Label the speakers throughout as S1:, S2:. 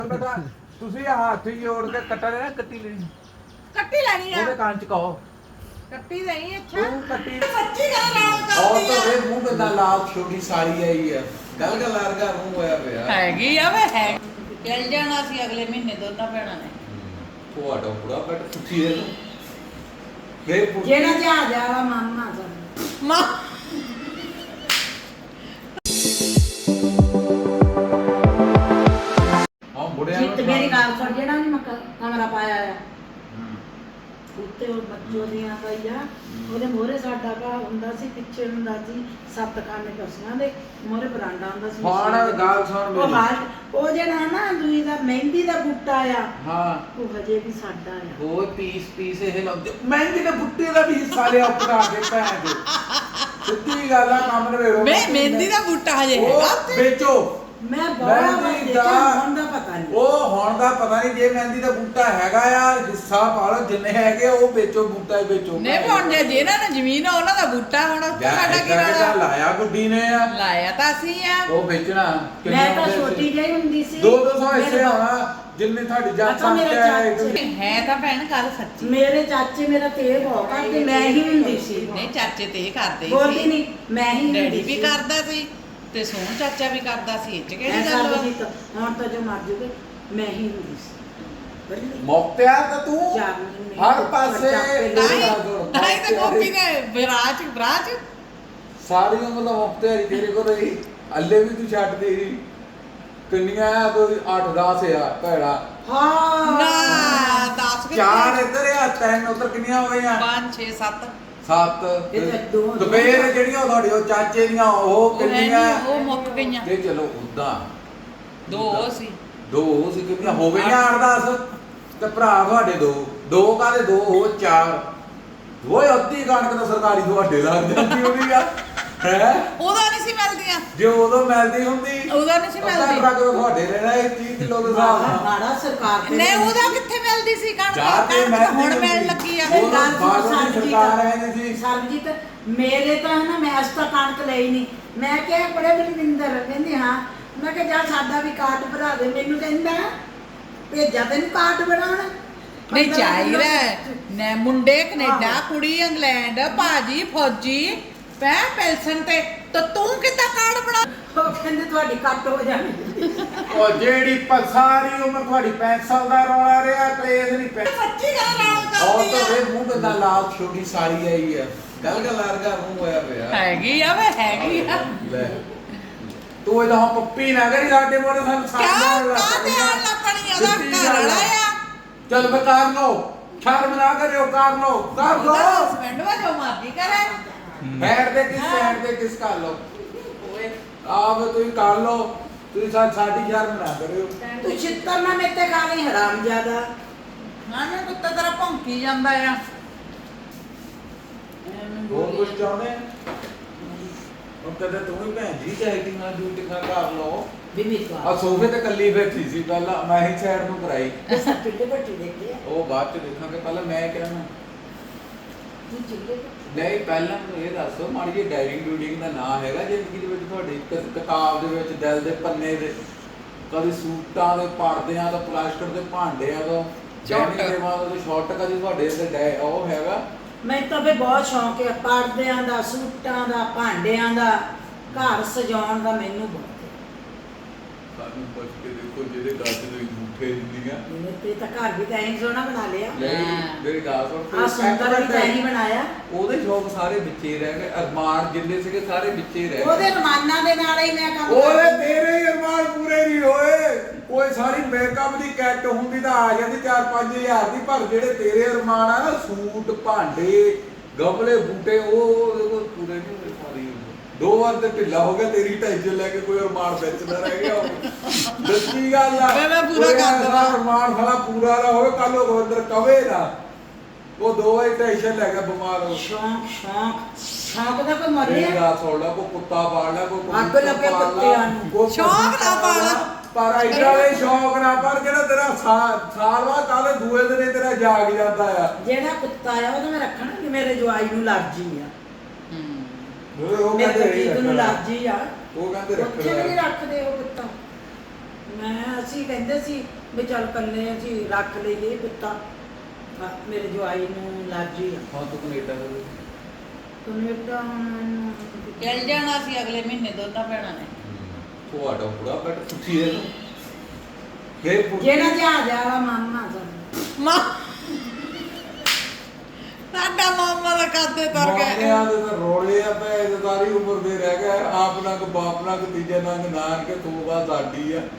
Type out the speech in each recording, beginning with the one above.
S1: ਤੁਸੀਂ ਹੱਥ ਜੋੜ ਕੇ ਕੱਟਾ ਲੈਣਾ, ਕੱਟੀ ਲੈਣੀ,
S2: ਕੱਟੀ ਲੈਣੀ ਆ
S1: ਉਹਦੇ ਕੰਨ ਚ ਕਹੋ
S2: ਕੱਟੀ ਨਹੀਂ। ਅੱਛਾ
S1: ਤੂੰ ਕੱਟੀ
S2: ਸੱਚੀ ਗੱਲ ਨਾਲ
S3: और
S2: ਕਰਦੀ
S3: तो
S2: ਆ
S3: वे मुंह पे ना लाल छोटी साड़ी आई है गल गल लगा मुंह होया पिया
S2: ਹੈਗੀ ਆ ਵੇ ਹੈ ਚੱਲ ਜਾਣਾ ਸੀ ਅਗਲੇ ਮਹੀਨੇ ਦੋਨਾਂ ਭੈਣਾਂ ਨੇ।
S3: ਤੁਹਾਡਾ ਬੁੜਾ ਬਟ ਪੁੱਛੀ ਦੇ ਵੇ
S4: ਜਿਹੜਾ ਜਹਾਜ਼ ਵਾਲਾ ਮਾਮਾ ਸਾਨੂੰ
S2: ਮਾਂ
S3: ਹਾਂ ਬੁੜਿਆ
S4: ਜਿੱਤ ਮੇਰੀ ਗੱਲ ਸੁਣ, ਜਿਹੜਾ ਨਹੀਂ ਮੈਂ ਕਮਰਾ ਪਾਇਆ ਆ ਉੱਤੇ ਉਹ ਬੱਚੋ ਦੀਆਂ ਪਈਆ ਉਹਦੇ ਮੋਹਰੇ ਸਾਡਾ ਘਰ ਹੁੰਦਾ ਸੀ, ਪਿੱਛੇ ਹੁੰਦਾ ਸੀ 7 ਖਾਨੇ ਕਸੀਆਂ ਦੇ ਮੋਹਰੇ ਬਰਾਂਡਾ ਹੁੰਦਾ ਸੀ।
S1: ਹੁਣ ਗੱਲ ਸੁਣ
S4: ਉਹ
S1: ਮੇਰੀ।
S4: ਹਾਲ ਉਹ ਜਿਹੜਾ ਨਾ ਦੂਈ ਦਾ ਮਹਿੰਦੀ ਦਾ ਬੂਟਾ ਆ
S1: ਹਾਂ
S4: ਉਹ ਹਜੇ ਵੀ ਸਾਡਾ ਆ।
S1: ਉਹ ਪੀਸ ਇਹ ਲਾਉਂਦੇ ਮਹਿੰਦੀ ਦੇ ਬੁੱਟੇ ਦਾ ਵੀ ਹਿੱਸਾ ਲਿਆ ਉੱਪਰ ਆ ਕੇ ਭੈਣ ਦੇ ਸਿੱਧੀ ਗੱਲ ਆ ਕੰਮ ਨਵੇੜੋ
S2: ਵੇ ਮਹਿੰਦੀ ਦਾ ਬੂਟਾ ਹਜੇ ਹੈਗਾ
S1: ਉਹ
S2: ਉੱਥੇ।
S1: ਵੇਚੋ
S4: ਮੈਂ ਬੜਾ
S1: ਮਹਿੰਦੀ
S4: ਦੇਖਿਆ,
S1: ਦਾ-
S4: ਹੁਣ ਦਾ ਪਤਾ ਨਹੀਂ।
S1: ਉਹ ਹੁਣ ਦਾ ਪਤਾ ਨਹੀਂ, ਜੇ ਮਹਿੰਦੀ ਦਾ ਬੂਟਾ ਹੈਗਾ ਆ ਹਿੱਸਾ ਪਾ ਲਓ ਜਿੰਨੇ ਹੈਗੇ ਉਹ ਵੇਚੋ, ਬੂਟਾ ਹੀ ਵੇਚੋ।
S2: ਨਹੀਂ ਹੁਣ ਜੇ ਜਿਹਨਾਂ ਨੇ ਜ਼ਮੀਨ ਆ ਉਹਨਾਂ ਦਾ ਬੂਟਾ ਹੁਣ ਉੱਥੇ ਸਾਡਾ ਕੀ ਰੌਲਾ?
S1: ਲਾਇਆ ਗੁੱਡੀ ਨੇ ਆ
S2: ਲਾਇਆ ਤਾਂ ਅਸੀਂ ਆ।
S1: ਉਹ ਵੇਚਣਾ
S4: ਮੈਂ ਤਾਂ ਛੋਟੀ ਜਿਹੀ ਹੁੰਦੀ ਸੀ।
S1: 200 ਹਿੱਸੇ
S4: ਮੇਰੇ-
S1: ਆਉਣਾ ਜਿੰਨੇ ਤੁਹਾਡੀ
S4: ਅੱਛਾ,
S1: ਜਾਤਾਂ
S4: ਮੇਰੇ
S1: ਚ
S4: ਚਾਚੇ-
S2: ਹੈ ਤਾਂ ਭੈਣ ਗੱਲ ਸੱਚੀ।
S4: ਮੇਰੇ ਚਾਚੇ ਮੇਰਾ ਤੇ ਬਹੁਤ ਕਰਦੇ, ਮੈਂ ਹੀ ਹੁੰਦੀ ਸੀ।
S2: ਨਹੀਂ ਚਾਚੇ ਤੇ ਇਹ ਕਰਦੇ
S4: ਬੋਲਦੀ
S2: ਸੀ,
S4: ਨਹੀਂ, ਮੈਂ ਹੀ
S2: ਡੈਡੀ
S4: ਹੁੰਦੀ
S2: ਵੀ
S4: ਸੀ।
S2: ਕਰਦਾ ਸੀ ਤੇ ਸੋਹਣ ਚਾਚਾ ਵੀ ਕਰਦਾ ਸੀ। ਇਹ ਚ
S4: ਮੈਂ
S2: ਕਿਹੜੀ ਗੱਲ ਵਾ?
S4: ਸਰਬਜੀਤ, ਹੁਣ ਤਾਂ ਜੋ ਮਰ ਜੂਗੇ, ਮੈਂ ਹੀ ਹੁੰਦੀ ਸੀ। ਬੜੀ
S1: ਮੌਕਿਆ ਤਾਂ ਤੂੰ
S4: ਚਾਰ ਮਹੀਨੇ
S1: ਹਰ ਪਾਸੇ
S2: ਤਾਂ ਹੀ ਤਾਂ ਗੋਪੀ ਨੇ ਵਿਰਾਜ
S1: ਸਾਰੀ ਉਮਰ ਦਾ ਮੁਖਤਿਆਰੀ ਤੇਰੇ ਕੋਲ ਰਹੀ, ਅੱਲੇ ਵੀ ਤੂੰ ਛੱਡ ਦੇ ਰਹੀ। ਕਿੰਨੀਆਂ ਆ ਕੋਈ 8-10 ਆ ਭੈੜਾ,
S4: ਹਾਂ
S2: ਨਾ 10
S1: ਚਾਰ ਇੱਧਰ ਆ, 3 ਉੱਧਰ, ਕਿੰਨੀਆਂ ਹੋ ਗਈਆਂ?
S2: 5 6 7
S1: 7
S4: ਇਹ ਤਾਂ ਦੋ-
S1: ਦੁਪਹਿਰ ਜਿਹੜੀਆਂ ਤੁਹਾਡੇ ਉਹ ਚਾਚੇ ਦੀਆਂ ਉਹ ਕਿੰਨੀਆਂ?
S2: ਉਹ ਮੁੱਕ ਗਈਆਂ।
S1: ਤੇ ਚਲੋ ਉਦਾਂ
S2: ਦੋ ਉਹ ਸੀ।
S1: ਦੋ ਸੀ, ਕਿੰਨੀਆਂ ਹੋ ਗਈਆਂ? 8-10 ਤੇ ਭਰਾ ਤੁਹਾਡੇ ਦੋ ਕਾਹਦੇ ਦੋ ਹੋ 4 ਓਏ ਅੱਧੀ ਕਣਕ ਤਾਂ ਸਰਕਾਰੀ ਤੁਹਾਡੇ ਲੱਗ ਜਾਂਦੀ ਉਹਦੀ ਆ ਹੈ।
S2: ਉਹਦਾ ਨਹੀਂ ਸੀ ਮਿਲਦੀਆਂ,
S1: ਜੇ ਉਦੋਂ ਮਿਲਦੀ ਹੁੰਦੀ
S2: ਉਹਦਾ ਨਹੀਂ ਸੀ
S1: ਅੱਧਾ
S2: ਮਿਲਦੀ।
S1: ਟਰੱਕ ਤਾਂ ਤੁਹਾਡੇ ਰਹਿਣਾ 30 ਕਿਲੋ ਦੇ ਹਿਸਾਬ ਨਾਲ।
S4: ਮਾੜਾ ਸਰਕਾਰ ਤੇ
S2: ਨਹੀਂ ਉਹਦਾ ਕਿੱਥੇ ਮਿਲਦੀ ਸੀ ਕਣਕ?
S1: ਜਾ ਕੇ
S2: ਕਣਕ
S1: ਮੈਂ
S2: ਤਾਂ ਹੁਣ ਮਿਲਣ ਲੱਗੀ ਆ।
S1: ਉਹ ਗੱਲ ਬਾਅਦ ਵਿੱਚ ਸਰਕਾਰ ਆਈ ਸੀ।
S4: ਸਰਬਜੀਤ ਮੇਰੇ ਤਾਂ ਨਾ ਮੈਂ ਅੱਜ ਤੱਕ ਕਣਕ ਲਈ ਨਹੀਂ। ਮੈਂ ਕਿਹਾ ਬੜੇ ਬਲਵਿੰਦਰ ਕਹਿੰਦੀ ਹਾਂ। ਮੈਂ ਕਿਹਾ ਜਾ ਸਾਡਾ ਵੀ ਕਾਰਡ ਬਣਾ ਦੇ। ਮੈਨੂੰ ਕਹਿੰਦਾ ਭੇਜਾ ਤੈਨੂੰ ਕਾਰਡ ਬਣਾਉਣ।
S2: ਨਹੀਂ ਚਾਹੀਦਾ ਨੇ ਮੁੰਡੇ ਕੈਨੇਡਾ,
S4: ਆਹੋ।
S2: ਕੁੜੀ ਇੰਗਲੈਂਡ, ਭਾਜੀ ਫੌਜੀ ਪੈ ਪੈਲਸਨ ਤੇ ਤੂੰ ਕਿੱਦਾਂ ਕਾਰਡ ਬਣਾ?
S4: ਉਹ ਕਹਿੰਦੇ ਤੁਹਾਡੀ ਕੱਟ ਹੋ ਜਾਣੀ।
S1: ਉਹ ਜਿਹੜੀ ਸਾਰੀ ਉਮਰ ਤੁਹਾਡੀ ਪੈਨਸਲ ਦਾ ਰੌਲਾ ਰਿਹਾ, ਕਲੇਸ਼ ਨਹੀਂ ਪੈ।
S2: ਸੱਚੀ ਗੱਲ ਨਾਲ
S3: और
S2: ਕਰਦੀ
S3: तो
S2: ਆ।
S3: वे मुंह पे ना लाल छोटी साड़ी आई है गल गल लगा मुंह होया पिया
S2: ਹੈਗੀ ਆ ਵੇ ਹੈਗੀ ਆ।
S3: ले
S1: ਤੂੰ ਇਹਦਾ ਹੁਣ ਪੱਪੀ ਨਾ ਕਰੀ ਸਾਡੇ ਮੋਰੇ ਸਾਨੂੰ
S2: ਕਿਉਂ ਕਾਹਦੇ ਆਣ ਲੱਪਣੀ ਉਹਦਾ ਘਰ ਵਾਲਾ ਆ।
S1: ਚਲ ਮੈਂ ਕਰ ਲੋ, ਸ਼ਰਮ ਨਾ ਕਰਿਓ, ਕਰ ਲੋ
S2: ਉਹਦਾ ਹਸਬੈਂਡ ਵਾ ਜੋ ਮਰਜ਼ੀ ਕਰੇ।
S1: ਬੈਠ ਦੇ ਕਿਸ ਸਾਈਡ ਤੇ ਕਿਸ ਕਰ ਲੋ
S2: ਓਏ
S1: ਆਪ ਤੁਸੀਂ ਕਰ ਲੋ, ਤੁਸੀਂ ਸਾਡੀ ਸ਼ਰਮ ਨਾ ਕਰਿਓ।
S4: ਤੂੰ ਛਿੱਤਰ ਨਾ ਮੇਤੇ ਖਾਣੀ ਹਰਾਮ ਜ਼ਿਆਦਾ।
S2: ਹਾਂ ਨਾ ਕੁੱਤਾ ਤੇਰਾ ਭੌਂਕੀ ਜਾਂਦਾ ਆ।
S1: ਹੋਰ ਕੁਝ ਚਾਹੁੰਦੇ ਆ? ਉਹ ਕਦੇ ਤੂੰ ਵੀ ਭੈਣ ਜੀ ਚਾਹੀਦੀ ਨਾ ਡਿਊਟੀ ਨਾ ਕਰ ਲੋ।
S4: ਵੀ ਮੇਰੀ
S1: ਆ
S4: ਗੱਲ
S1: ਸੋਫੇ ਤੇ ਕੱਲੀ ਬੈਠੀ ਸੀ, ਪਹਿਲਾਂ ਮੈਂ ਹੀ ਸਾਈਡ ਨੂੰ ਕਰਾਈ,
S4: ਸਭ ਚਿੱਟੇ ਬੱਟੀ ਦੇਖਦੇ ਆ।
S1: ਉਹ ਬਾਅਦ ਚ ਦੇਖਾਂਗੇ, ਪਹਿਲਾਂ ਮੈਂ ਕਹਿਣਾ
S4: ਤੂੰ ਚਿੱਟੇ ਬੱਟੀ
S1: ਨਹੀਂ। ਪਹਿਲਾਂ ਮੈਨੂੰ ਇਹ ਦੱਸੋ ਮਾੜੀ ਜਿਹੀ ਡਾਇਰਿੰਗ ਡੂਡਿੰਗ ਦਾ ਨਾਂ ਹੈਗਾ ਜ਼ਿੰਦਗੀ ਦੇ ਵਿੱਚ ਤੁਹਾਡੀ? ਕਿਤਾਬ ਦੇ ਵਿੱਚ ਦਿਲ ਦੇ ਪੰਨੇ ਦੇ ਕਦੀ ਸੂਟਾਂ ਦੇ ਪਰਦਿਆਂ ਦਾ, ਪਲਾਸਟਿਕ ਦੇ ਭਾਂਡਿਆਂ ਦਾ,
S2: ਸ਼ਾਰਟ।
S1: ਦੇ ਬਾਅਦ ਸ਼ਾਰਟ ਕਦੀ ਤੁਹਾਡੇ ਤੇ ਉਹ ਹੈਗਾ?
S4: ਮੈਨੂੰ ਤਾਂ ਵੀ ਬਹੁਤ ਸ਼ੌਂਕ ਹੈ ਪਰਦਿਆਂ ਦਾ, ਸੂਟਾਂ ਦਾ, ਭਾਂਡਿਆਂ ਦਾ, ਘਰ ਸਜਾਉਣ ਦਾ। ਮੈਨੂੰ ਬਹੁਤ
S1: ਸਾਨੂੰ ਪੁੱਛ ਕੇ ਦੇਖੋ ਜਿਹਦੇ ਗੱਜ ਦੇ ਝੂਠੇ ਹੁੰਦੀਆਂ
S4: ਮੇਰੇ ਤੇ ਤਾਂ ਘਰ ਵੀ ਤਾਂ ਐਂ ਸੋਹਣਾ ਬਣਾ ਲਿਆ।
S1: ਮੇਰੀ ਗੱਲ ਸੁਣ,
S4: ਆ ਸੁੰਦਰ ਵੀ ਤਾਂ ਐਂ ਬਣਾਇਆ।
S1: ਉਹਦੇ ਸ਼ੌਕ ਸਾਰੇ ਵਿੱਚੇ ਰਹਿ ਗਏ, ਅਰਮਾਨ ਜਿੰਨੇ ਸੀਗੇ ਸਾਰੇ ਵਿੱਚੇ ਰਹਿ
S4: ਉਹਦੇ
S1: ਗਏ।
S4: ਰਮਾਨਾਂ ਦੇ ਨਾਲ ਹੀ ਮੈਂ ਕੰਮ
S1: ਉਹਦੇ
S4: ਕਰਦੀ।
S1: ਤੇਰੇ ਹੀ ਅਰਮਾਨ ਪੂਰੇ ਨਹੀਂ ਹੋਏ। ਕੋਈ ਸਾਰੀ ਮੇਕਅਪ ਦੀ ਕਿੱਟ ਹੁੰਦੀ ਤਾਂ ਆ ਜਾਂਦੀ 4-5 ਹਜ਼ਾਰ ਦੀ, ਪਰ ਜਿਹੜੇ ਤੇਰੇ ਅਰਮਾਨ ਆ ਨਾ, ਸੂਟ, ਭਾਂਡੇ, ਗਮਲੇ, ਬੂਟੇ, ਉਹ ਉਹਦੇ ਕੋਲ ਪੂਰੇ ਨਹੀਂ ਹੋਏ ਸਾਰੀ ਉਮਰ। 2 ਵਾਰ ਤੇ ਢਿੱਲਾ ਹੋ ਗਿਆ, ਤੇਰੀ ਟੈਨਸ਼ਨ ਲੈ ਕੇ ਕੋਈ ਅਰਮਾਨ ਵਿੱਚ ਨਾ ਰਹਿ ਗਿਆ ਹੋਵੇ। ਦੱਸੀ ਗੱਲ ਆ,
S2: ਮੈਂ ਪੂਰਾ
S1: ਕੋਈ
S2: ਕਰ
S1: ਐਸਾ
S2: ਦੇਵਾਂ।
S1: ਅਰਮਾਨ ਸਾਲਾ ਪੂਰਾ ਨਾ ਹੋਵੇ, ਕੱਲ ਉਹ ਗੋਬਿੰਦਰ ਕਵੇ ਨਾ ਉਹ 2 ਵਾਰੀ ਟੈਨਸ਼ਨ ਲੈ ਕੇ ਬਿਮਾਰ ਹੋ।
S4: ਸ਼ੌਂਕ ਸ਼ੌਂਕ ਦਾ ਕੋਈ
S1: ਮੇਰੀ
S4: ਮਰਿਆ।
S1: ਗੱਲ ਸੁਣ ਲਾ, ਕੋਈ ਕੁੱਤਾ ਪਾਲ ਲਾ, ਕੋਈ
S4: ਅੱਗ ਲੱਗੇ ਕੁੱਤਿਆਂ ਨੂੰ।
S1: ਕੋਈ
S2: ਸ਼ੌਂਕ ਨਾ ਪਾਲ।
S1: ਪਰ ਇਦਾਂ ਦੇ ਸ਼ੌਂਕ ਨਾ ਪਰ ਜਿਹੜਾ ਤੇਰਾ ਸਾਲ ਬਾਅਦ ਕੱਲ ਦੂਏ ਦਿਨੇ ਤੇਰਾ ਜਾਗ ਜਾਂਦਾ ਆ।
S4: ਜਿਹੜਾ ਕੁੱਤਾ ਆ ਉਹਦਾ ਮੈਂ ਰੱਖਣਾ ਕਿ ਮੇਰੇ ਜਵਾਈ ਨੂੰ ਅਲਰਜੀ ਆ।
S1: ਉਹ
S4: ਮੇਰੇ
S1: ਕਹਿੰਦੇ
S4: ਜੀਤ ਨੂੰ
S1: ਰੱਖਣਾ।
S4: ਅਲਰਜੀ ਆ।
S1: ਉਹ ਕਹਿੰਦੇ
S4: ਉੱਥੇ ਵੀ ਨਹੀਂ
S1: ਰੱਖਣਾ।
S4: ਰੱਖਦੇ ਉਹ ਕੁੱਤਾ। ਅਸੀਂ ਕਹਿੰਦੇ ਸੀ ਵੀ ਚੱਲ ਕੱਲੇ ਅਸੀਂ ਰੱਖ ਲਈਏ ਕੁੱਤਾ ਮੇਰੇ ਜਵਾਈ ਨੂੰ ਅਲਰਜੀ ਆ
S1: ਹਾਂ ਤੂੰ ਕੈਨੇਡਾ
S4: ਕੈਨੇਡਾ ਹੁਣ
S2: ਚੱਲ ਜਾਣਾ ਸੀ ਅਗਲੇ ਮਹੀਨੇ ਦੋਨਾਂ ਭੈਣਾਂ ਨੇ
S1: ਤੁਹਾਡਾ ਬੁੜਾ ਬੈਠ ਪੁੱਛੀ ਇਹਨੂੰ ਫੇਰ ਪੁੱਛੀ
S4: ਜਿਹੜਾ ਜਹਾਜ਼ ਵਾਲਾ ਮਾਮਾ ਸਾਨੂੰ
S2: ਮਾਂ ਸਾਡਾ ਮਾਮਾ ਦਾ ਕਾਦੇ ਤਰ ਗਿਆ
S1: ਮਾਮਿਆਂ ਦੇ ਤਾਂ ਰੋਲੇ ਆ ਪਏ ਤੇ ਸਾਰੀ ਉਮਰ ਦੇ ਰਹਿ ਗਏ ਆਪ ਨਾ ਕੋ ਬਾਪ ਨਾ ਕੋ ਤੀਜੇ ਨੰਗ ਨਾਨਕੇ ਤੂੰ ਬਾਤ ਸਾਡੀ ਆ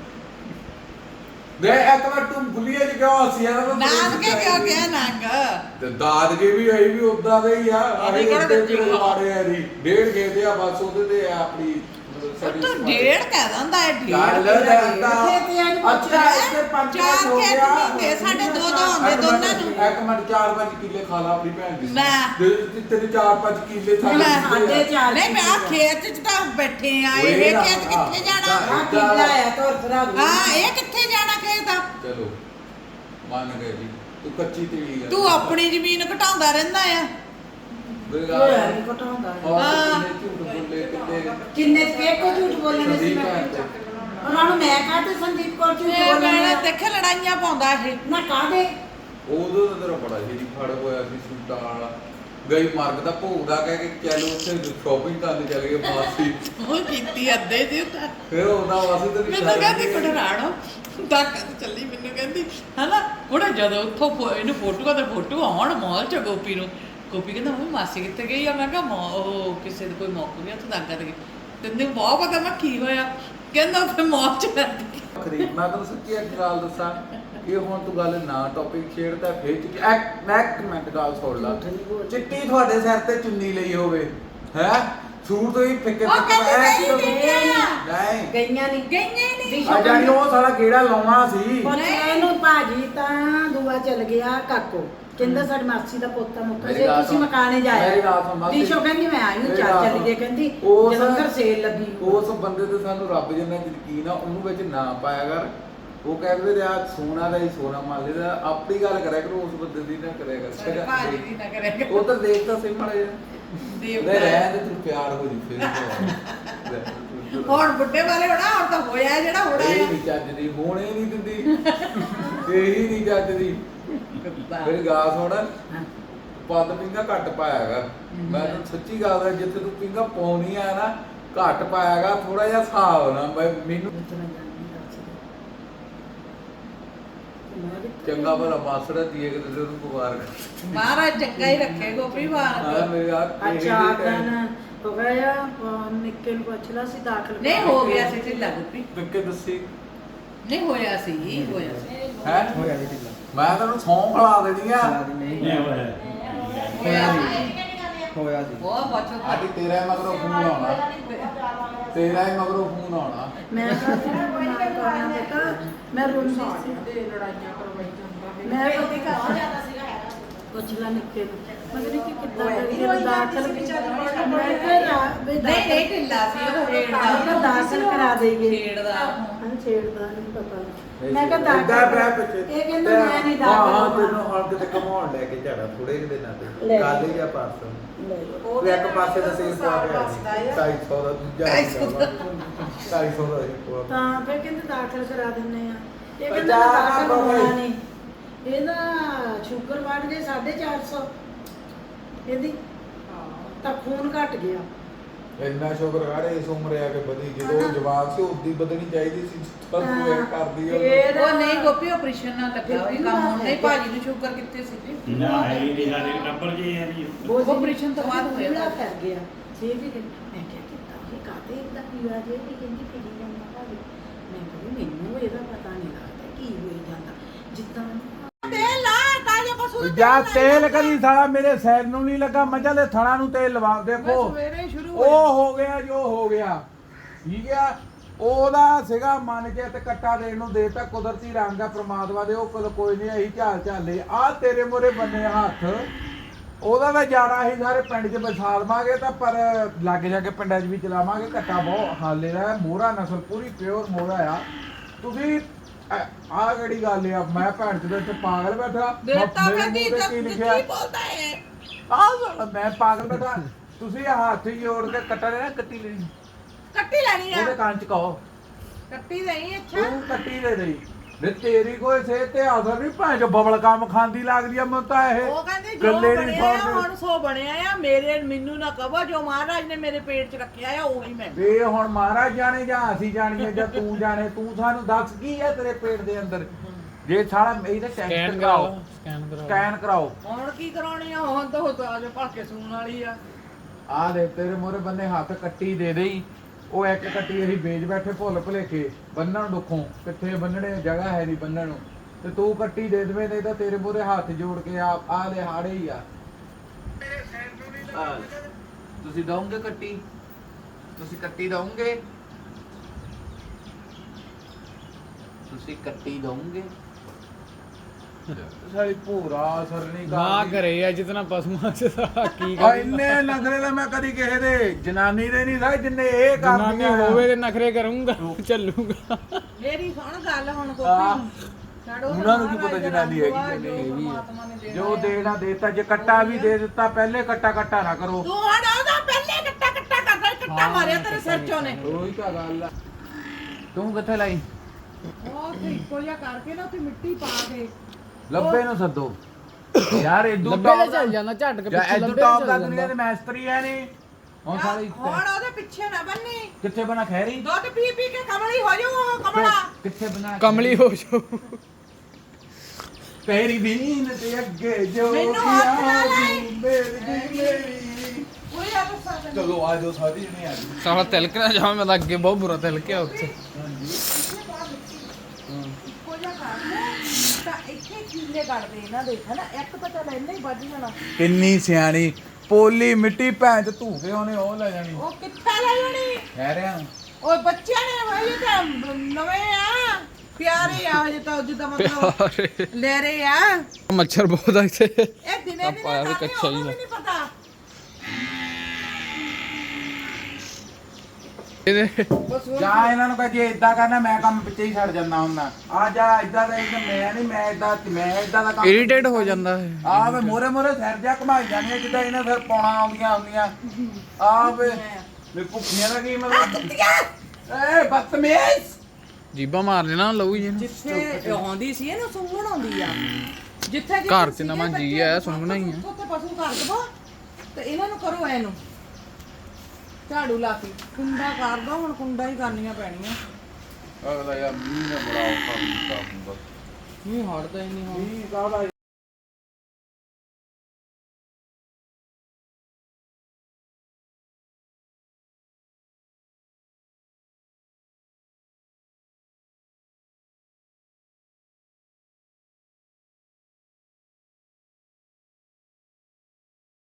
S1: ਦੇ ਇੱਕ ਵਾਰ ਤੂੰ ਭੁੱਲੀਏ ਜੀ ਕਿਉਂ ਹੱਸਿਆ ਨਾ
S2: ਨਾਨਕੇ ਕਿਉਂ ਗਿਆ ਨੰਗ
S1: ਤੇ ਦਾਦਕੇ ਵੀ ਆਈ ਵੀ ਉਦਾਂ ਦੇ ਹੀ ਆ
S2: ਅਸੀਂ ਕਿਹੜਾ
S1: ਤੇ
S2: ਦਿੱਤੀ ਆ?
S1: ਮਾਰੇ ਆ ਜੀ ਡੇਢ ਗਏ ਤੇ ਆ ਬਸ ਉਹਦੇ ਤੇ ਆ ਆਪਣੀ
S2: ਤੂੰ ਡੇਢ ਕਹਿ ਦਿੰਦਾ ਹੈ
S1: ਚੱਲ
S2: ਡੇਢ
S1: ਅੱਛਾ ਇੱਥੇ 5
S2: ਚਾਰ
S1: ਹੋ
S2: ਖੇਤ
S1: ਗਿਆ
S2: ਹੁੰਦੇ, ਸਾਡੇ ਦੋ ਦੋ ਹੁੰਦੇ ਦੋਨਾਂ ਨੂੰ।
S1: ਇੱਕ ਮਿੰਟ 4-5 ਕਿੱਲੇ ਖਾ ਲਾ ਆਪਣੀ ਭੈਣ ਦੀ
S2: ਲੈ।
S1: ਤੇਰੇ 4-5 ਕਿੱਲੇ ਥਾਲੇ
S2: ਲੈ,
S4: ਸਾਡੇ ਚਾਰ
S2: ਨਹੀਂ ਮੈਂ ਆਹ ਖੇਤ ਚ ਤਾਂ ਬੈਠੇ ਆ
S1: ਓਏ
S2: ਇਹ
S1: ਨਾ,
S2: ਖੇਤ ਕਿੱਥੇ ਜਾਣਾ
S4: ਆ ਕਿੱਲਾ ਆ ਤੋਰ ਤਰਾ
S2: ਹਾਂ ਇਹ ਕਿੱਥੇ ਜਾਣਾ ਖੇਤ ਆ
S1: ਚਲੋ ਮੰਨ ਗਏ ਜੀ ਤੂੰ ਕੱਚੀ ਤੇਲੀ ਆ
S2: ਤੂੰ ਆਪਣੀ ਜ਼ਮੀਨ ਘਟਾਉਂਦਾ ਰਹਿੰਦਾ ਆ
S4: ਹੋਇਆ ਨਹੀਂ ਘਟਾਉਂਦਾ
S2: ਹਾਂ।
S1: ਝੂਠ ਬੋਲੇ ਕਿਤੇ
S4: ਕਿੰਨੇ ਕੇ ਕੋ ਝੂਠ ਬੋਲਣੇ ਸੀ
S1: ਸੰਦੀਪ
S4: ਮੈਂ
S1: ਭੈਣ ਤੇ।
S4: ਉਹਨਾਂ ਨੂੰ ਮੈਂ ਕਹਤੇ ਸੰਦੀਪ ਕੋਲ ਝੂਠ
S2: ਇਹ
S4: ਬੋਲਣੇ
S2: ਮੈਂ ਦੇਖੇ ਲੜਾਈਆਂ ਪਾਉਂਦਾ ਇਹ
S4: ਨਾ ਕਾਹਦੇ
S1: ਉਦੋਂ ਤਾਂ ਤੇਰਾ ਬੜਾ ਜਿਹੜੀ ਫੜ ਹੋਇਆ ਸੀ ਸੂਟਾਂ ਵਾਲਾ ਗਈ ਮਰਗ ਦਾ ਭੋਗ ਦਾ ਕਹਿ ਕੇ ਚੱਲ ਉੱਥੇ ਸ਼ਾਪਿੰਗ ਕਰਨ ਚਲੇ ਗਏ ਮਾਸੀ
S2: ਉਹ ਕੀਤੀ ਅੱਧੇ ਦੀ
S1: ਫਿਰ ਉਹਦਾ ਵਾਸੀ ਤੇ
S2: ਮੈਨੂੰ ਕਹਿੰਦੀ ਕੁੜਰਾਣੋ ਤੱਕ ਚੱਲੀ ਮੈਨੂੰ ਕਹਿੰਦੀ ਹਨਾ ਹੁਣ ਜਦੋਂ ਉੱਥੋਂ ਇਹਨੂੰ ਫੋਟੋਆਂ ਤੇ ਫੋਟੋ ਆਉਣ ਮਾਲ ਚ ਗੋਪੀ ਨੂੰ ਗੋਪੀ ਕਹਿੰਦਾ ਮੈਂ ਮਾਸੀ ਕਿੱਥੇ ਗਈ ਆ ਮੈਂ ਕਿਹਾ ਉਹ ਕਿਸੇ ਦੇ ਕੋਈ ਮੌਕਾ ਨਹੀਂ ਉੱਥੇ ਦਾਗਾ ਤੇ ਕਹਿੰਦੇ ਬਹੁਤ ਪਤਾ ਮੈਂ ਕੀ ਹੋਇਆ ਕਹਿੰਦਾ ਫਿਰ ਮਾਲ ਚ ਲੱਗੀ
S1: ਖਰੀਦ ਮੈਂ ਤੁਹਾਨੂੰ ਸੱਚੀ ਇੱਕ ਗੱਲ ਦੱਸਾਂ ਇਹ ਹੁਣ ਤੂੰ ਗੱਲ ਨਾ ਟੌਪਿਕ ਛੇੜਦਾ ਫੇਰ ਚੁੱਕੀ ਮੈਂ ਇੱਕ ਮਿੰਟ ਗੱਲ ਸੁਣ ਲਾ ਚਿੱਟੀ ਤੁਹਾਡੇ ਸਿਰ ਤੇ ਚੁੰਨੀ ਲਈ ਹੋਵੇ ਹੈ ਸੂਟ ਤੋਂ ਹੀ ਫਿੱਕੇ
S2: ਉਹ ਕਹਿੰਦੀ ਨਹੀਂ ਦੇਖਿਆ
S1: ਨਹੀਂ
S4: ਗਈਆਂ ਨਹੀਂ
S2: ਗਈਆਂ ਹੀ ਨਹੀਂ
S1: ਆ ਜਾਣੀ ਉਹ ਸਾਲਾ ਗੇੜਾ ਲਾਉਣਾ ਸੀ
S4: ਪੁੱਛਿਆ ਇਹਨੂੰ ਭਾਜੀ ਤਾਂ ਦੁਆ ਚਲ ਗਿਆ ਕਾਕੋ ਕਹਿੰਦਾ ਸਾਡੀ ਮਾਸੀ ਦਾ ਪੋਤਾ ਮੁੱਕਾ
S1: ਮੇਰੀ
S4: ਜੇ
S1: ਗੱਲ
S4: ਤੁਸੀਂ
S1: ਸੁਣ।
S4: ਮਕਾਨੇ ਜਾਇਆ
S1: ਮੇਰੀ ਗੱਲ ਸੁਣ ਮਾਸੀ।
S4: ਦੀਸ਼ੋ ਕਹਿੰਦੀ ਮੈਂ ਆਈ ਨੂੰ
S1: ਮੇਰੀ
S4: ਚਾਰ
S1: ਗੱਲ
S4: ਚੱਲ ਗਏ
S1: ਸੁਣ।
S4: ਕਹਿੰਦੀ
S1: ਉਸ-
S4: ਜਲੰਧਰ ਸੇਲ ਲੱਗੀ
S1: ਉਸ ਬੰਦੇ ਤੇ ਸਾਨੂੰ ਰੱਬ ਜਿੰਨਾ ਯਕੀਨ ਆ ਉਹਨੂੰ ਵਿੱਚ ਨਾ ਪਾਇਆ ਕਰ ਉਹ ਕਹਿੰਦੇ ਰਿਹਾ ਸੋਨਾ ਦਾ ਹੀ ਸੋਨਾ ਮੰਨ ਲੈਦਾ ਆਪਣੀ ਗੱਲ ਕਰਿਆ ਕਰੋ ਉਸ ਬੰਦੇ ਦੀ ਨਾ ਕਰਿਆ
S2: ਸਾਡੇ
S1: ਕਰ
S2: ਭਾਜੀ ਦੀ ਨਾ ਕਰੇਗਾ
S1: ਉਹ ਤਾਂ ਦੇਖ ਤਾਂ ਸਹੀ ਮਾੜੇ
S2: ਦੇਵ
S1: ਨਹੀਂ ਰਹਿਣ ਦੇ ਤੂੰ ਪਿਆਰ ਹੋ ਜੀ ਫਿਰ
S2: ਹੁਣ ਬੁੱਢੇ ਵਾਲੇ ਹੋਣਾ ਹੁਣ ਤਾਂ ਹੋਇਆ ਜਿਹੜਾ ਹੋਣਾ
S1: ਇਹ
S2: ਆ
S1: ਨਹੀਂ ਚੱਜਦੀ ਹੋਣੇ ਨਹੀਂ ਦਿੰਦੀ ਇਹੀ ਨਹੀਂ ਚੱਜਦੀ ਮੇਰੀ ਗੱਲ ਸੁਣ ਪੱਦ ਪਿੰਗਾ ਘੱਟ ਪਾਇਆਗਾ ਮੈਂ ਤਾਂ ਸੱਚੀ ਗੱਲ ਹੈ ਜਿੱਥੇ ਤੂੰ ਪਿੰਗਾ ਪਾਉਣੀ ਆ ਨਾ ਘੱਟ ਪਾਇਆਗਾ ਥੋੜਾ ਜਿਹਾ ਹਿਸਾਬ ਨਾ ਮੈਨੂੰ ਚੰਗਾ ਭਲਾ ਮਾਸੜਾ ਦੀਏ ਕਿ ਤੇ ਉਹਨੂੰ ਮੁਬਾਰਕ
S2: ਮਹਾਰਾਜ ਚੰਗਾ ਹੀ ਰੱਖੇ ਗੋਪੀ
S1: ਹਾਂ
S2: ਮਾਰ
S1: ਮੇਰੇ ਯਾਰ
S4: ਅੱਛਾ ਦਿਨ ਹੋ ਗਿਆ ਨਿੱਕੇ ਨੂੰ ਪੁੱਛ ਲਾ ਸੀ ਦਾਖਲ
S2: ਨਹੀਂ ਹੋ ਗਿਆ ਸੀ ਢਿੱਲਾ ਗੋਪੀ
S1: ਪਿੱਕੇ ਦੱਸੀ
S2: ਨਹੀਂ ਹੋਇਆ ਸੀ ਹੋਇਆ ਸੀ
S1: ਹੈ
S3: ਹੋਇਆ ਨਹੀਂ ਢਿੱਲਾ
S1: ਮੈਂ ਤੈਨੂੰ ਸੌਂ ਖਲਾ ਦੇਣੀ ਆ
S3: ਨਹੀਂ
S2: ਹੋਇਆ ਸੀ
S3: ਹੋਇਆ ਸੀ
S2: ਬਹੁਤ ਪੁੱਛੋ
S1: ਆਡੀ ਤੇਰਾ ਹੀ ਮਗਰੋਂ ਫੋਨ ਆਉਣਾ ਤੇਰਾ ਹੀ ਮਗਰੋਂ ਫੋਨ ਆਉਣਾ
S4: ਮੈਂ ਕਰਨਾ ਬੇਟਾ ਮੈਂ ਰੂਮ ਸੀ ਮੈਂ ਕਦੀ ਘਰ ਜਾਂਦਾ ਸੀਗਾ ਪੁੱਛ ਲਾ ਨਿੱਕੇ ਨੂੰ ਮਗਰ ਕਿ ਕਿੱਦਾਂ ਕਰੀਏ ਦਾਖਲ ਮੈਂ ਕਿਹਾ
S2: ਨਹੀਂ ਨਹੀਂ ਢਿੱਲਾ ਸੀ ਉਹ
S4: ਤਾਂ ਦਾਖਲ ਕਰਾ ਦੇਈਏ
S2: ਛੇੜਦਾ
S4: ਹਾਂ ਛੇੜਦਾ ਨਹੀਂ ਪਤਾ ਮੈਂ ਕਿਹਾ
S1: ਏਦਾਂ
S4: ਦਾਖਲ
S1: ਪਿਆ ਪਿੱਛੇ
S4: ਇਹ ਕਹਿੰਦਾ ਮੈਂ ਨਹੀਂ
S1: ਹਾਂ ਹਾਂ
S4: ਦਾਖਲ
S1: ਤੈਨੂੰ ਹੁਣ ਕਿਤੇ ਘਮਾਉਣ ਲੈ ਕੇ ਜਾਣਾ ਥੋੜੇ ਜਿਹੇ ਦਿਨਾਂ ਤੇ
S4: ਲੈ।
S1: ਕੱਲ ਹੀ ਜਾਂ ਪਰਸੋਂ
S4: ਲੈ ਲਓ।
S1: ਉਹ ਇੱਕ ਪਾਸੇ ਦਾ ਸੇਲ ਪਾ ਕੇ 250 ਦਾ ਦੂਜਾ 250 ਦਾ ਹੀ ਪਵਾ
S4: ਤਾਂ ਫਿਰ ਕਹਿੰਦੇ ਦਾਖਲ ਕਰਾ ਦਿੰਨੇ ਆ ਇਹ
S1: ਪਰ
S4: ਕਹਿੰਦਾ
S1: ਜਾ
S4: ਦਾਖਲ
S1: ਨਾ
S4: ਹੋਣਾ
S1: ਭਾਈ।
S4: ਨਹੀਂ ਇਹਦਾ ਸ਼ੂਗਰ ਵੱਧ ਗਏ 450 ਇਹਦੀ ਤਾਂ ਖੂਨ ਘਟ ਗਿਆ
S1: ਇੰਨਾ ਸ਼ੁਕਰ ਆੜੇ ਇਸ ਉਮਰੇ ਆ ਕੇ ਵਧੀ ਜਦੋਂ ਉਹ ਜਵਾਨ ਸੀ ਉਦੀ ਵਧਣੀ ਚਾਹੀਦੀ ਸੀ ਪਰ ਤੂੰ ਇਹ ਕਰਦੀ ਆ
S4: ਫਿਰ
S2: ਉਹ ਨਹੀਂ ਗੋਪੀ ਆਪਰੇਸ਼ਨ ਨਾਲ ਲੱਗਾ ਹੋਇਆ ਕੰਮ ਹੁਣ ਨਹੀਂ ਭਾਜੀ ਨੂੰ ਸ਼ੂਗਰ ਕਿੱਥੇ ਸੀ ਜੀ
S5: ਨਾ ਹੈ ਹੀ ਨਹੀਂ ਸਾਡੇ ਨੰਬਰ ਜੇ ਹੈ ਨਹੀਂ
S2: ਆਪਰੇਸ਼ਨ ਤੋਂ ਬਾਅਦ ਹੋਇਆ
S4: ਬੁਰਾ ਕਰ ਗਿਆ ਛੇ ਵੀ ਦਿਨ ਮੈਂ ਕਿਹਾ ਕਿੱਦਾਂ ਇਹ ਕਾਤੇ ਇਹਦਾ ਕੀ ਹੋਇਆ ਜੇ ਵੀ ਕਹਿੰਦੀ ਫਿਰੀ ਜਾਂਦਾ ਭਾਵੇਂ ਮੈਂ ਕਹਿੰਦੀ ਮੈਨੂੰ ਇਹਦਾ ਪਤਾ ਨਹੀਂ ਲੱਗਦਾ ਕੀ ਹੋਈ ਜਾਂਦਾ ਜਿੱਦਾਂ
S2: ਤੇ ਲਾ ਤਾਜਾ ਕਸੂਰ
S6: ਜਾ ਤੇਲ ਕਦੀ ਸਾਲਾ ਮੇਰੇ ਸਿਰ ਨੂੰ ਨਹੀਂ ਲੱਗਾ ਮੱਝਾਂ ਦੇ ਥਣਾ ਨੂੰ ਤੇਲ ਲਵਾ ਦੇਖੋ
S2: ਸਵੇਰੇ ਸ਼ੁਰੂ
S6: ਉਹ ਹੋ ਗਿਆ ਜੋ ਹੋ ਗਿਆ ਠੀਕ ਆ ਉਹਦਾ ਸੀਗਾ ਮੰਨ ਕੇ ਤੇ ਕੱਟਾ ਦੇਣ ਨੂੰ ਦੇਤਾ ਕੁਦਰਤੀ ਰੰਗ ਆ ਪ੍ਰਮਾਤਮਾ ਦੇ ਉਹ ਕੋਲ ਕੋਈ ਨਹੀਂ ਅਸੀਂ ਝਾਲ ਝਾਲੇ ਆ ਤੇਰੇ ਮੋਰੇ ਬੰਨੇ ਹੱਥ ਉਹਦਾ ਤਾਂ ਜਾਣਾ ਅਸੀਂ ਸਾਰੇ ਪਿੰਡ 'ਚ ਵਸਾ ਲਵਾਂਗੇ ਤਾਂ ਪਰ ਲੱਗ ਜਾ ਕੇ ਪਿੰਡਾਂ 'ਚ ਵੀ ਚਲਾਵਾਂਗੇ ਕੱਟਾ ਬਹੁਤ ਹਾਲੇ ਦਾ ਮੋਹਰਾ ਨਸਲ ਪੂਰੀ ਪਿਓਰ ਮੋਹਰਾ ਆ ਤੁਸੀਂ ਆਹ ਕਿਹੜੀ ਗੱਲ ਆ ਮੈਂ ਭੈਣ ਚੋਦ ਇੱਥੇ ਪਾਗਲ ਬੈਠਾ
S2: ਦੇਤਾ
S6: ਮੇਰੇ
S2: ਕਹਿੰਦੀ
S6: ਮੂੰਹ ਤੇ ਕੀ ਲਿਖਿਆ
S2: ਕੀ ਬੋਲਦਾ ਹੈ
S6: ਆਹ ਮੈਂ ਪਾਗਲ ਬੈਠਾ ਤੁਸੀਂ ਹੱਥ ਜੋੜ ਕੇ ਕੱਟਾ ਲੈਣਾ ਕੱਟੀ ਲੈਣੀ
S2: ਕੱਟੀ ਲੈਣੀ ਆ
S6: ਉਹਦੇ ਕੰਨ ਚ ਕਹੋ
S4: ਕੱਟੀ ਨਹੀਂ ਅੱਛਾ
S6: ਤੂੰ ਕੱਟੀ ਦੇ ਦੇਈ ਵੇ ਤੇਰੀ ਕੋਈ ਸਿਹਤ ਤੇ ਅਸਰ ਨਹੀਂ ਭਾਂ ਜੋ ਬਬਲ ਕੰਮ ਖਾਂਦੀ ਲੱਗਦੀ ਆ ਮੈਨੂੰ ਤਾਂ ਇਹ
S4: ਉਹ ਕਹਿੰਦੇ ਜੋ
S6: ਗੱਲੇ ਨੀ
S4: ਬਣਿਆ ਆ
S6: ਸੁਣਦੇ।
S4: ਹੁਣ ਸੋ ਬਣਿਆ ਆ ਮੈਨੂੰ ਨਾ ਕਹੋ ਜੋ ਮਹਾਰਾਜ ਨੇ ਮੇਰੇ ਪੇਟ 'ਚ ਰੱਖਿਆ ਆ ਉਹੀ ਮੈਂ
S6: ਵੇ ਹੁਣ ਮਹਾਰਾਜ ਜਾਣੇ ਜਾਂ ਅਸੀਂ ਜਾਣੀਏ ਜਾਂ ਤੂੰ ਜਾਣੇ ਤੂੰ ਸਾਨੂੰ ਦੱਸ ਕੀ ਹੈ ਤੇਰੇ ਪੇਟ ਦੇ ਅੰਦਰ ਜੇ ਸਾਲਾ ਇਹਦਾ ਟੈਸਟ ਕਰਾਓ ਸਕੈਨ ਕਰਾਓ
S4: ਹੁਣ ਕੀ ਕਰਾਉਣੀ ਆ ਹੁਣ ਤਾਂ ਹੋ ਤਾਂ ਅਜੇ ਭਾਕੇ ਸੂਣ ਵਾਲੀ ਆ
S6: ਆ ਦੇ ਤੇਰੇ ਮੋਰੇ ਬੰਨੇ ਹੱਥ ਕੱਟੀ ਦੇ ਦੇਈ ਉਹ ਇੱਕ ਕੱਟੀ ਅਸੀਂ ਵੇਚ ਬੈਠੇ ਭੁੱਲ ਭੁਲੇਖੇ ਬੰਨਣ ਦੁੱਖੋਂ ਕਿੱਥੇ ਬੰਨਣੇ ਜਗ੍ਹਾ ਹੈ ਨਹੀਂ ਬੰਨਣ ਨੂੰ ਤੇ ਤੂੰ ਕੱਟੀ ਦੇ ਦੇਵੇਂ ਨਹੀਂ ਤਾਂ ਤੇਰੇ ਮੋਰੇ ਹੱਥ ਜੋੜ ਕੇ ਆ ਦੇ ਹਾੜੇ ਹੀ ਆ
S1: ਤੁਸੀਂ ਦਓਗੇ ਕੱਟੀ ਤੁਸੀਂ ਕੱਟੀ ਦਓਗੇ ਤੁਸੀਂ ਕੱਟੀ ਦਓਗੇ
S6: ਸਾਰੀ ਭੂਰਾ ਅਸਰ ਨਹੀਂ
S7: ਨਾ
S6: ਕਰਦੀ
S7: ਕਰੇ ਆ ਜਿਤਨਾ ਪਸ਼ੂਆਂ ਚ ਸਾਰਾ ਕੀ
S6: ਆ ਇੰਨੇ ਨਖਰੇ ਤਾਂ ਮੈਂ ਕਦੀ ਕਿਸੇ ਦੇ ਜਨਾਨੀ ਦੇ ਨਹੀਂ ਸਾਈ ਜਿੰਨੇ ਇਹ
S7: ਜਨਾਨੀ
S6: ਕਰਦੀਆਂ
S7: ਹੋਵੇ ਤੇ ਨਖਰੇ ਕਰੂੰਗਾ ਚੱਲੂਗਾ
S4: ਮੇਰੀ ਸੁਣ ਗੱਲ ਹੁਣ
S6: ਆਹ,
S4: ਕੋਪੀ ਛੱਡੋ
S6: ਉਹਨਾਂ ਨੂੰ ਕੀ ਪਤਾ ਜਨਾਨੀ ਹੈਗੀ ਕਿ ਨਹੀਂ ਜੋ ਦੇਣਾ ਦੇਤਾ ਜੇ ਕੱਟਾ ਵੀ ਦੇ ਦਿੱਤਾ ਪਹਿਲੇ ਕੱਟਾ ਨਾ ਕਰੋ
S4: ਤੂੰ ਹੁਣ ਉਹਦਾ ਪਹਿਲੇ ਕੱਟਾ ਕਰਦਾ ਕੱਟਾ ਮਾਰਿਆ ਤੇਰੇ ਸਿਰ ਚੋਂ ਨੇ
S6: ਉਹੀ ਤਾਂ ਗੱਲ ਆ ਤੂੰ ਕਿੱਥੇ ਲਾਈ
S4: ਉਹ ਤੇ ਇੱਕੋ ਜਿਹਾ ਕਰਕੇ ਨਾ ਉੱਥੇ ਮਿੱਟੀ ਪਾ ਕੇ
S6: ਲੱਭੇ ਨੂੰ ਸੱਦੋ ਯਾਰ ਇਦੂ
S7: ਲੱਭੇ ਤੇ ਚੱਲ ਜਾਂਦਾ ਝਟ ਕੇ
S6: ਜਾਂ
S7: ਪਿੱਛੇ
S6: ਇਦੂ
S7: ਲੱਭੇ
S6: ਟੌਪ
S7: ਤੇ
S6: ਦਾ
S7: ਚੱਲ
S6: ਦੁਨੀਆ ਦੇ
S7: ਜਾਂਦਾ
S6: ਮੈਸਤਰੀ ਐ ਨਹੀਂ ਹੁਣ ਸਾਲੀ
S4: ਹੁਣ ਉਹਦੇ ਪਿੱਛੇ ਨਾ ਬੰਨੀ
S6: ਕਿੱਥੇ ਬਣਾ ਖੈਰੀ
S4: ਦੁੱਧ ਪੀ ਪੀ ਕੇ ਕਮਲੀ ਹੋ ਜਾਊ ਉਹ ਕਮਲਾ
S6: ਕਿੱਥੇ ਬਣਾ
S7: ਕਮਲੀ ਹੋ ਜਾਓ
S6: ਤੇਰੀ ਬੀਨ ਤੇ ਅੱਗੇ ਜੋ
S4: ਮੈਨੂੰ ਹੱਥ ਨਾ ਲਾਈ।
S6: ਮੇਰੀ
S4: ਉਹ ਯਾਰ ਦੱਸਾਂ
S6: ਚਲੋ ਆ ਜਾਓ ਸਾਰੀ ਜਣੇ ਆ ਜਾਓ
S7: ਸਾਲਾ ਤਿਲਕ ਨਾ ਜਾਵਾਂ ਮੈਂ ਤਾਂ ਅੱਗੇ ਬਹੁਤ ਬੁਰਾ ਤਿਲਕਿਆ ਉੱਥੇ
S4: ਇੱਕੋ ਜਿਹਾ ਕਰ ਲੈ ਤਾਂ ਇੱਥੇ ਕੀਲੇ ਕੱਢਦੇ ਇਹਨਾਂ ਦੇ ਹਨਾ ਇੱਕ ਤਾਂ ਚੱਲ ਇੰਨਾ ਹੀ ਵੱਜ ਜਾਣਾ
S6: ਕਿੰਨੀ ਸਿਆਣੀ ਪੋਲੀ ਮਿੱਟੀ ਭੈਣ ਚ ਧੂਕੇ ਉਹਨੇ ਉਹ ਲੈ ਜਾਣੀ
S4: ਉਹ ਕਿੱਥੇ ਲੈ ਜਾਣੀ
S6: ਕਹਿ ਰਿਹਾ
S4: ਉਹ ਬੱਚਿਆਂ ਨੇ ਭਾਈ ਤਾਂ ਨਵੇਂ ਆ ਪਿਆਰੇ ਆ ਜੇ ਤਾਂ ਜਿੱਦਾਂ ਮਤਲਬ ਲੈ ਰਹੇ ਆ
S7: ਮੱਛਰ ਬਹੁਤ ਆ ਇੱਥੇ
S4: ਇਹ ਦਿਨੇ
S7: ਪਾਇਆ ਵੀ
S4: ਦਿਨੇ
S7: ਕੱਚਾ ਹੀ
S4: ਉਹਨੂੰ
S7: ਆ।
S4: ਵੀ ਨਹੀਂ ਪਤਾ
S7: ਇਹਦੇ
S4: ਬਸ ਉਹ
S6: ਜਾ ਇਹਨਾਂ ਨੂੰ ਕਹ ਜੇ ਇਦਾਂ ਕਰਨਾ ਮੈਂ ਕੰਮ ਪਿੱਛੇ ਹੀ ਛੱਡ ਜਾਂਦਾ ਹੁੰਦਾ ਆ ਜਾ ਇਦਾਂ ਦਾ ਮੈਂ ਨਹੀਂ ਮੈਂ ਇਦਾਂ ਦਾ ਕੰਮ
S7: ਇਰੀਟੇਟ ਹੋ ਜਾਂਦਾ ਹੈ
S6: ਆ ਵੇ ਮੋਰੇ ਮੋਰੇ ਸਿਰ ਜਾ ਘਮਾਈ ਜਾਂਦੀਆਂ ਜਿੱਦਾਂ ਇਹਨਾਂ ਫਿਰ ਪੌਣਾ ਆਉਂਦੀਆਂ ਹੁੰਦੀਆਂ ਆ ਵੇ ਮੇ ਭੁੱਖੀਆਂ ਦਾ ਕੀ ਮਤਲਬ ਏ ਬਦਤਮੀਜ਼
S7: ਜੀਬਾ ਮਾਰ ਲੈਣਾ ਲਊ ਜੀ ਇਹਨੂੰ
S4: ਜਿੱਥੇ ਆਉਂਦੀ ਸੀ ਇਹਨੂੰ ਸੁੰਘਣ ਆਉਂਦੀ ਆ ਜਿੱਥੇ
S7: ਘਰ 'ਚ ਨਵਾਂ ਜੀ ਆ, ਸੁੰਘਣਾ ਹੀ ਆ।
S4: ਉੱਥੇ ਪਸ਼ੂ ਕਰ ਦਵੋ ਤੇ ਇਹਨਾਂ ਨੂੰ ਕਰੋ ਇਹਨੂੰ ਝਾੜੂ ਲਾ ਕੇ ਕੁੰਡਾ ਕਰ ਦੋ ਹੁਣ ਕੁੰਡਾ ਹੀ ਕਰਨੀਆਂ ਪੈਣੀਆਂ
S6: ਅਗਲਾ ਯਾਰ ਮੀਂਹ ਨੇ ਬੜਾ ਔਖਾ ਕੀਤਾ ਹੁੰਦਾ
S4: ਨਹੀਂ ਹਟਦਾ ਹੀ ਨਹੀਂ ਹੁਣ
S6: ਮੀਂਹ ਕਾਹਦਾ